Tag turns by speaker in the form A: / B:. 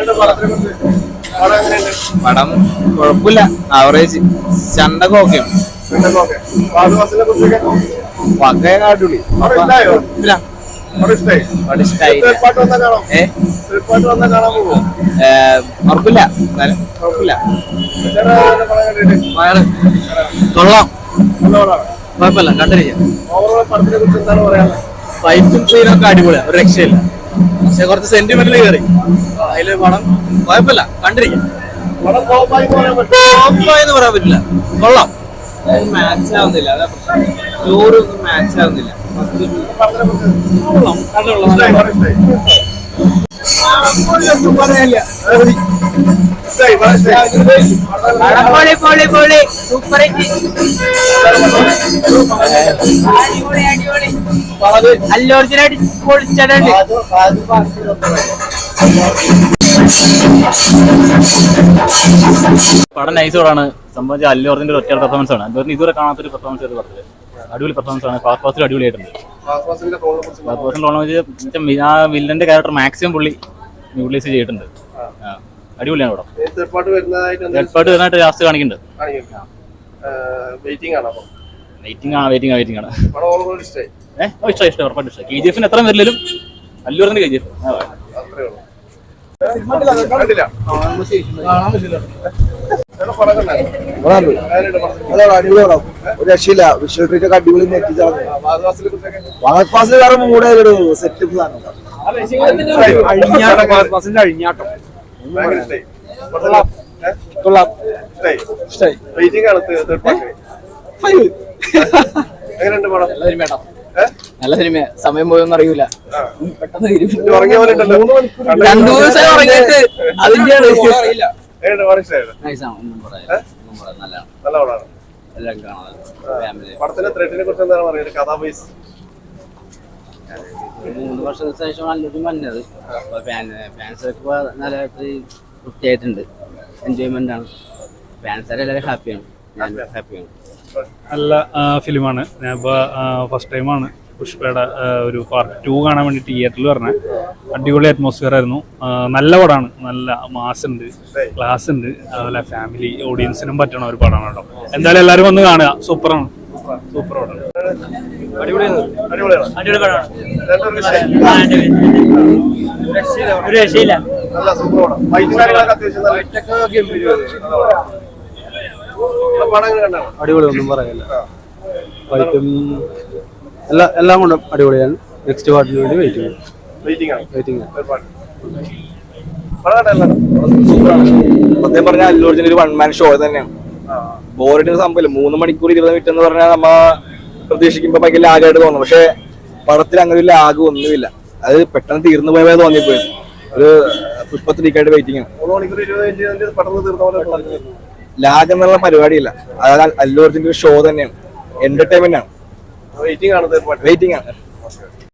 A: പടം കുഴപ്പമില്ല, ആവറേജ്. ചണ്ടൊക്കെ ഓക്കെയാണ്. അടിപൊളി. ഉറപ്പില്ല, കുഴപ്പമില്ല. കൊള്ളാം, കുഴപ്പമില്ല, കണ്ടിരിക്കാം. ഫൈറ്റും സീനൊക്കെ അടിപൊളിയാണ്, ഒരു രക്ഷയില്ല. പക്ഷെ കുറച്ച് സെന്റിമെന്റിൽ കയറി. അതില് പടം കുഴപ്പമില്ല, കണ്ടിരിക്കാം. എന്ന് പറയാൻ പറ്റില്ല, കൊള്ളാം. മാച്ച് ആവുന്നില്ല, അതാ സ്റ്റോറി ഒന്നും മാച്ച് ആവുന്നില്ല.
B: അല്ലോർജിനായിട്ട് പൊളിച്ചിട്ടുണ്ട്.
C: പടം നൈസോടാണ്. സംബന്ധിച്ച് അല്ലു അർജുന്റെ ഒറ്റ പെർഫോമൻസ് ആണ്. അല്ലു ഇതുവരെ കാണാത്തൊരു പെർഫോമൻസ് ചെയ്ത് പറഞ്ഞത്. അടിപൊളി പെർഫോമൻസ് ആണ്. ഫാസ്റ്റ് ഫാസ്റ്റിൽ അടിപൊളിയായിട്ടുണ്ട്. ആ വില്ലന്റെ ക്യാരക്ടർ മാക്സിമം പുള്ളി യൂട്ടിലൈസ് ചെയ്തിട്ടുണ്ട്. അടിപൊളിയാണ് പടം. തേർഡ് പാർട്ട് വരുന്നതായിട്ട് ലാസ്റ്റ് കാണിക്കുന്നുണ്ട്. വെയിറ്റിംഗ് ആണ്. ഇഷ്ടം ഉറപ്പായിട്ട് ഇഷ്ടം. KGF എത്ര വരില്ലും അല്ലു അർജുന്റെ KGF
D: ഒരു രക്ഷയില്ല. വിഷ്വൽ ട്രീറ്റ് ഒക്കെ അടിപൊളി വേറെ മൂടായൊരു സെറ്റപ്പ് സാധനം. അഴിഞ്ഞാട്ടം കൊള്ളാം.
A: നല്ല സിനിമ. സമയം പോയൊന്നും അറിയൂല, പെട്ടെന്ന് തീരും. 2 ദിവസം ഉറങ്ങിയിട്ട് അതിന്റെയാണ്. എല്ലാം കാണാം. 3 വർഷത്തിന് ശേഷം നല്ലൊരു വന്നത്. ഫാൻസൊക്കെ നല്ല വൃത്തിയായിട്ടുണ്ട്. എൻജോയ്മെന്റ് ആണ്. ഫാൻസൊക്കെ എല്ലാവരും ഹാപ്പിയാണ്. ഞാൻ ഹാപ്പിയാണ്.
E: നല്ല ഫിലിമാണ്. ഞാനിപ്പോൾ ഫസ്റ്റ് ടൈമാണ് പുഷ്പയുടെ ഒരു പാർട്ട് 2 കാണാൻ വേണ്ടി തിയേറ്ററിൽ പറഞ്ഞത്. അടിപൊളി അറ്റ്മോസ്ഫിയർ ആയിരുന്നു. നല്ല പടമാണ്. നല്ല മാസ് ഉണ്ട്, ക്ലാസ് ഉണ്ട്. അതുപോലെ ഫാമിലി ഓഡിയൻസിനും പറ്റണ ഒരു പടമാണ് കേട്ടോ. എന്തായാലും എല്ലാവരും വന്ന് കാണുക. സൂപ്പറാണ്, സൂപ്പർ പടമാണ്.
B: ഒരു രക്ഷയില്ല.
D: അടിപൊളി, ഒന്നും പറയാനില്ല. ഫൈറ്റും എല്ലാം കൊണ്ടും അടിപൊളിയാണ്. നെക്സ്റ്റ് പാർട്ടിന് വേണ്ടി വെയിറ്റിംഗ്. സത്യം പറഞ്ഞാൽ അല്ലു അർജുൻ ഒരു 1 മാൻ ഷോ തന്നെയാണ്. ബോറിന്റെ സംഭവം 3 മണിക്കൂർ 20 മിനിറ്റ് എന്ന് പറഞ്ഞാൽ നമ്മ പ്രതീക്ഷിക്കുമ്പോ ഭയങ്കര ലാഗായിട്ട് തോന്നും. പക്ഷെ പടത്തിൽ അങ്ങനെ ഒരു ലാഗ് ഒന്നുമില്ല. അത് പെട്ടെന്ന് തീർന്നു പോയ തോന്നിപ്പോയി. ഒരു പുഷ്പത്തിലേക്കായിട്ട് വെയിറ്റിംഗ് ആണ്. ലാഗ് എന്നുള്ള പരിപാടിയില്ല. അതായത് അല്ലു അർജുന്റെ ഒരു ഷോ തന്നെയാണ്. എന്റർടൈൻമെന്റ് ആണ്. വെയിറ്റിംഗ് ആണ്.